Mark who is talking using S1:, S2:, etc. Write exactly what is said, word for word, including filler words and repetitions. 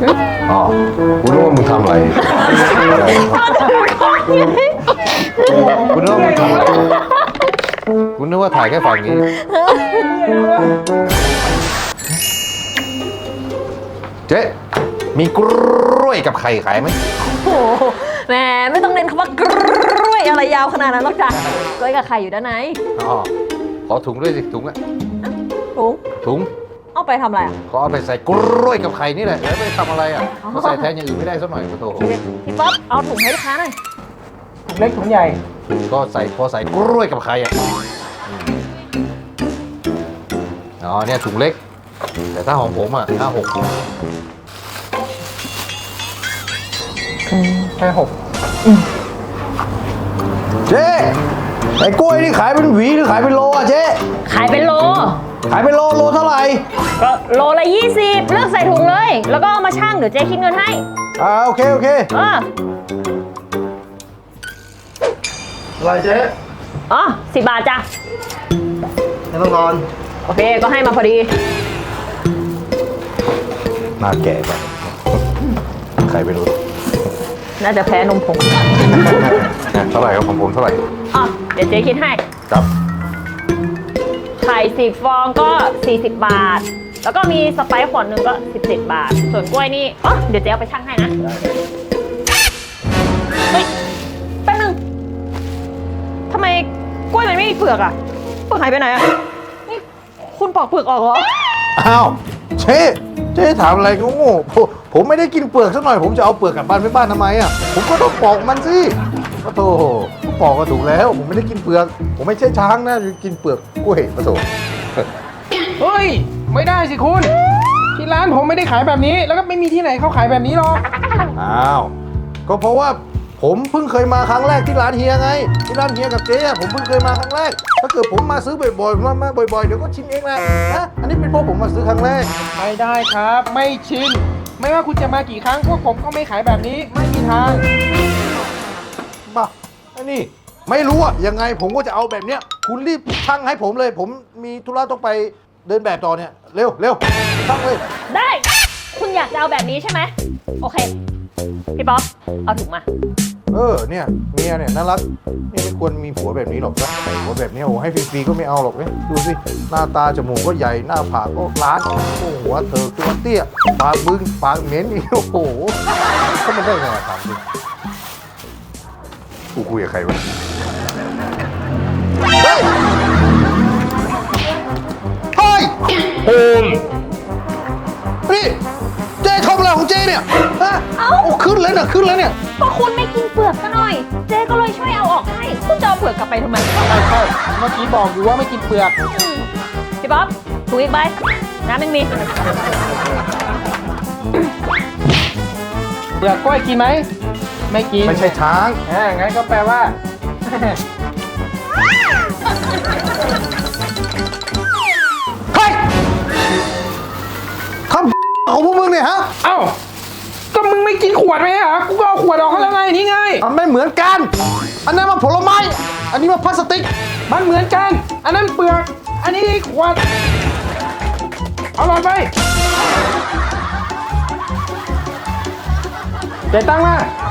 S1: อ๋อกูรู้ว่ามึงทำอะไรกูนึกว่ามึงทำอะไรกูนึกว่าถ่ายแค่ฝั่งนี้เจ๊มีกล้วยกับไข่ขายไหม
S2: โอ้โหแหมไม่ต้องเน้นคำว่ากล้วยอะไรยาวขนาดนั้นหรอกจ้ะกล้วยกับไข่อยู่ด้านใน
S1: อ๋อขอถุงด้วยสิถุงอะ
S2: ถุง
S1: ถุง
S2: เอาไปทำอะไรอ่ะ
S1: ก็เอาไปใส่กล้วยกับไข่นี่แหละแล้วไปทำอะไรอ่ะก็ใส่แทนอย่างอื่นไม่ได้สักหน่อยโอ้โห
S2: พี่ป๊อปเอาถุงให้ลูกค้าหน่อย
S3: ถุงเล็กถุงใหญ่
S1: ก็ใส่พอใส่กล้วยกับไข่อ่ะอ๋อเนี่ยถุงเล็กแต่ถ้าของผมอ่ะห้าหก
S3: แค่หก
S1: เจ๊ไอ้กล้วยนี่ขายเป็นหวีหรือขายเป็นโลอ่ะเจ๊
S2: ขายเป็นโล
S1: ขายเป็นโลโลเท่าไหร่
S2: ก็โลละยี่สิบเลือกใส่ถุงเลย แล้วก็เอามาชั่งเดี๋ยวเจ๊คิดเงินให้
S1: อ่าโอเคโอเค
S2: เออ
S4: อะไรเจ๊
S2: อ๋อสิบบาทจ้ะ
S4: ไม่ต้องนอน
S2: โอเคก็ให้มาพอดี
S1: หน้าแก่ไปใครไปรู้
S2: น่าจะแพ้นมผง
S1: เท่าไหร่ครับของผมเท่าไหร่
S2: อ๋อเดี๋ยวเจ๊คิดให้
S1: ครับ
S2: ไข่สิบฟองก็สี่สิบบาท แล้วก็มีสไปซ์ขวดหนึ่งก็สิบเจ็ดบาท ส่วนกล้วยนี่อ๋อเดี๋ยวเจ๊เอาไปชั่งให้นะ เฮ้ย แป๊บนึงทำไมกล้วยมันไม่มีเปลือกอะเปลือกหายไปไหนอะนี่คุณปอกเปลือกออกเหรอ
S1: อ้าวเจ๊เจ๊ถามอะไรก็โง่ผมผมไม่ได้กินเปลือกสักหน่อยผมจะเอาเปลือกกลับบ้านไปบ้านทำไมอ่ะผมก็ต้องปอกมันสิปะโถปอกก็ถูกแล้ว ผมไม่ได้กินเปลือก ผมไม่ใช่ช้างนะกินเปลือกกล้วยปะโถ
S3: เฮ้ย ไม่ได้สิคุณ ที่ร้านผมไม่ได้ขายแบบนี้ แล้วก็ไม่มีที่ไหนเขาขายแบบนี้หรอก
S1: อ้าวก็เพราะว่าผมเพิ่งเคยมาครั้งแรกที่ร้านเฮียไงที่ร้านเฮียกับเจ๊อะผมเพิ่งเคยมาครั้งแรกถ้าเกิดผมมาซื้อบ่อยๆมามาบ่อยๆเดี๋ยวก็ชิมเองแหละนะอันนี้เป็นเพราะผมมาซื้อครั้งแรก
S3: ไม่ได้ครับ ไม่ชิน ไม่ว่าคุณจะมากี่ครั้งพวกผมก็ไม่ขายแบบนี้ ไม่มีทาง
S1: บ้าไอ้นี่ไม่รู้อะยังไงผมก็จะเอาแบบเนี้ยคุณรีบชั่งให้ผมเลย ผมมีธุระต้องไปเดินแบบต่อเนี่ยเร็วเร็วชั่งเลย
S2: ได้ คุณอยากจะเอาแบบนี้ใช่ไหม โอเค พี่ป๊อปเอาถุงมา
S1: เออเนี่ยเมียเนี่ยน่ารักเนี่ยไม่ควรมีผัวแบบนี้หรอกนะผัวแบบนี้โอ้ให้ฟรีๆก็ไม่เอาหรอกเนี่ยดูสิหน้าตาจมูกก็ใหญ่หน้าผากก็ล้านโอ้หัวเธอตัวเตี้ยปากบึ้งปากเหม็นอีกโอ้โหเขามันได้ไงถามจริงกูคุยกับใครวะเฮ้ยเฮ้ยโอมนี่เจ๊ทำอะไรของเจ๊เนี่ยฮะ
S2: เอ้า
S1: โอ้ขึ้นแล้วเนี่ยขึ้นแล้วเนี่ย
S2: ก็คุณไม่กินเปลือกซะหน่อย เจ๊ก็เลยช่วยเอาออกให้ คุณจะเอาเปลือกกลับไปทำไม
S3: ใช่ใช่เมื่อกี้บอกอยู่ว่าไม่กินเปลือก
S2: อืมพี่ป๊อปถุงอีกใบน้ำยังมี
S3: เปลือกกล้วยกินไหม ไม่กิน
S1: ไม่ใช่ช้าง
S3: อ่างั้นก็แปลว่า
S1: เฮ้ยทำของพวกมึงเนี่ยฮะ
S3: เอ้า ก็มึงไม่กินขวดไหมเหรอ กูก็เอาขวดออกให้แล้วไง นี่ไง
S1: มันไม่เหมือนกัน อันนั้นมันผลไม้ อันนี้มันพลาสติก
S3: มันเหมือนกัน อันนั้นเปลือก อันนี้ขวด เอาหลอดไปเดี๋ยวตั้งมา